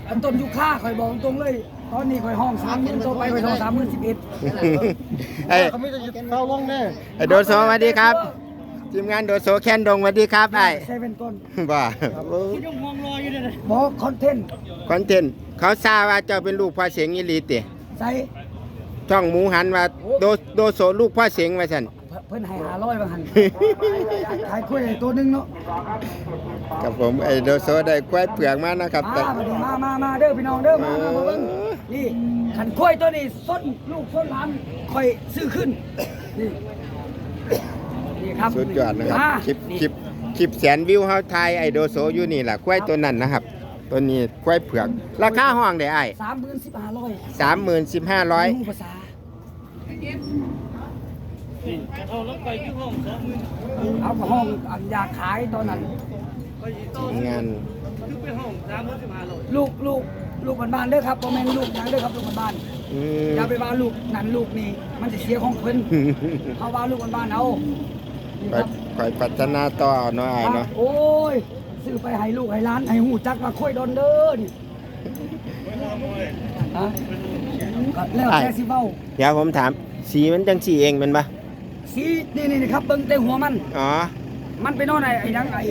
อันต้นยุค่าคอยบอกตรงเลยตอนนี้คอยห้อง30,000ตัวไปคอยห้อง30,011 ไอ้เขาไม่ได้เฝ้าลงแน่ไอ้โดโซสวัสดีครับทีมงานโดโซแคนดงสวัสดีครับไอ้เซเว่นต้นว่าที่ยังมองรออยู่เลยบอกคอนเทนต์คอนเทนต์เขาทราบว่าเจ้าเป็นลูกพ่อเสียงอีหลีติใส่ช่องหมูหันว่าโดโซลูกพ่อเสียงว่าซั่นเพิ่นให้500บางหันขายกล้วยตัวนึงเนาะกับผมไอ้โดโซได้ควายเปลือกมานะครับแต่มาเด้อพี่น้องเด้อมาเบิ่งนี่ขันกล้วยตัวนี้ส้นลูกส้นหลานคอยซื้อขึ้นนี่ครับสุดยอดนะครับมาคลิปแสนวิวเฮาไทยไอ้โดโซอยู่นี่ล่ะควายตัวนั้นนะครับ ตัวนี้ควายเผือกราคาห้องได้ไอ้ 30,000 30,500 ภาษาเอาแล้วไปที่ห้อง20,000 เอากับห้องอันอยากขายตอนนั้นงานคือไปห้อง30,500 ลูกบ้านๆเด้อครับบ่แม่นลูกหยังเด้อครับลูกบ้านอืมอย่าไปว่าลูกนั่นลูกนี่มันสิเสียของเพิ่นเอาว่าลูกบ้านๆเอานี่ครับคอยพัฒนาต่อเอาเนาะไอ้เนาะโอ้ยซื้อไปให้ลูกให้หลานให้หูจักว่าค่อยดอนเด้อนี่ฮะก็แล้วแต่สิเว้าเดี๋ยวผมถามสีมันจังสีเองเป็นปะสีนี่ครับเบิ่งแต่หัวมันอ๋อมันไปนอนไอ้หยังไอ้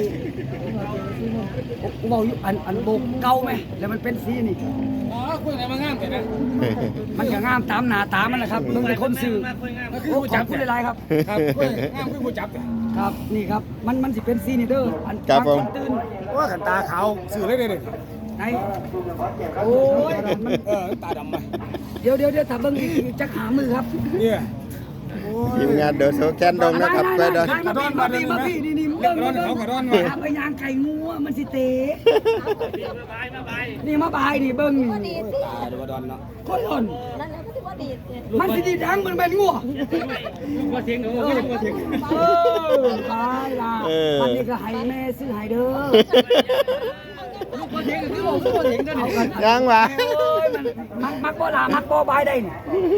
เว้าอยู่อันโบกเก่าไหมแล้วมันเป็นสีนี่อ๋อคุยอะไรมางามแต่นะมันก็งามตามหน้าตามันแหละครับเบิ่งแต่คนซื้อคือโอ้ผู้ขจัอบบคุณหลายๆครับครับคุยงามคือผู้จับครับนี่ครับมันสิเป็นสีนี่เด้ออันครับผมนตื่นว่ากันตาขาวสื่อเลยเลยไหนโอ้ยมันตาดำมาเดี๋ยวถ้าเบิ่งอีกจักหามือครับเนี่ยทีมงานเดอะโซแคนดงนะครับไปเด้อมาพี่นี่เบิ่งไปยางไก่งัวมันสิเตะนี่มาบายนี่เบิ่งนี่ตาดูว่าดอนเนาะคนหล่นนั่นแหละก็ที่ว่าดีดเนี่ยมันสิดีดังมันเป็นงัวลูกว่าเสียงเออลูกว่าเสียงตายล่ะมันนี่ก็ให้แม่ซื้อให้เด้อลูกว่าเสียงคือบอกลูกว่าเสียงกันนี่ยังวะมันมักบ่ลามักบ่บายได้นี่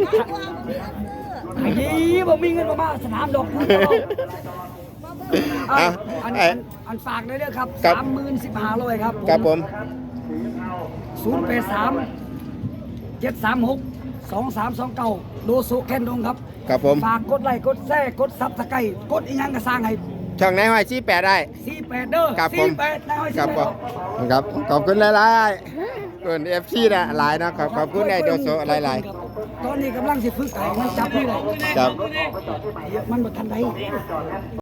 ไอ้ดีบ่มีเงินมาสนามดอกคุณอันฝากได้เด้อครับ 30,500ครับครับผม 083-736-2329โดโซแคนดงครับครับผมฝากกดไลค์กดแชร์กดซับสไครต์กดอีหยังก็สร้างให้ช่องไหนห้อยชี้แปดได้ 48เด้อครับผม 48นายห้อยครับผมครับขอบคุณหลายๆส่วนเอฟซีนะหลายนะครับขอบคุณไอ้โดโซหลายตอนนี้กำลังสิฝึกไก่มันจับนี่เลยๆครับมันบ่ทันได้